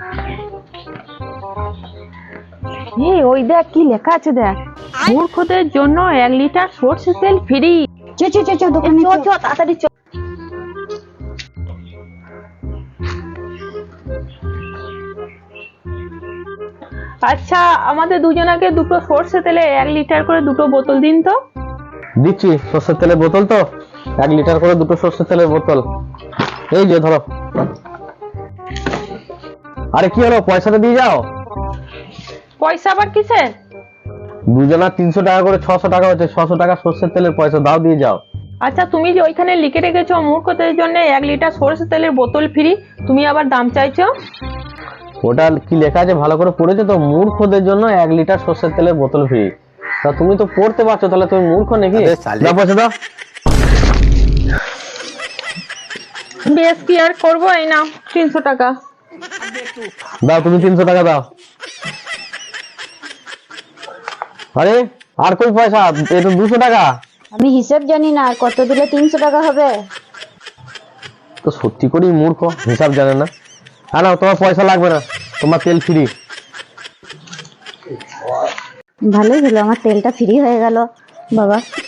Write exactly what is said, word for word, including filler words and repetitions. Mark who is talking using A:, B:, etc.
A: এই ওই দেখ কি লেখা আছে দেখ, মূর্খদের জন্য এক লিটার সরষের তেল ফ্রি।
B: চ চ চ চ দোকানে
A: চ চ তাড়াতাড়ি চ। আচ্ছা আমাদের দুজনাকে দুটো সরষে তেলে এক লিটার করে দুটো বোতল দিন তো।
C: দিচ্ছি, সর্ষের তেলের বোতল তো এক লিটার করে দুটো সর্ষের তেলের বোতল। এই যে ধরো। আরে কি হলো, পয়সাটা দিয়ে যাও।
A: পয়সা আবার কিসের?
C: দুজনা তিনশো টাকা করে ছশো টাকা হচ্ছে, ছশো টাকা সর্ষের তেলের পয়সা দাও, দিয়ে যাও।
A: আচ্ছা তুমি যে ওইখানে লিখে রেখেছো মূর্খদের জন্য এক লিটার সরষে তেলের বোতল ফ্রি, তুমি আবার দাম চাইছো?
C: ওটা কি লেখা আছে ভালো করে পড়েছো তো? মূর্খদের জন্য এক লিটার সর্ষের তেলের বোতল ফ্রি। তা তুমি তো পড়তে পারছো, তাহলে তুমি মূর্খ নাকি? দাও পয়সা দাও।
A: বেশ কি আর করবো, এই নাও তিনশো টাকা।
C: দাও তুমি তিনশো টাকা দাও। আরে আর কই পয়সা? এটা দুশো টাকা।
B: আমি হিসাব জানি না, আর কত দিলে তিনশো টাকা হবে?
C: তো সত্যি করেই মূর্খ, হিসাব জানে না। হ্যাঁ না, তোমার পয়সা লাগবে না, তোমার তেল ফ্রি।
B: ভালোই হলো, আমার তেলটা ফ্রি হয়ে গেল। বাবা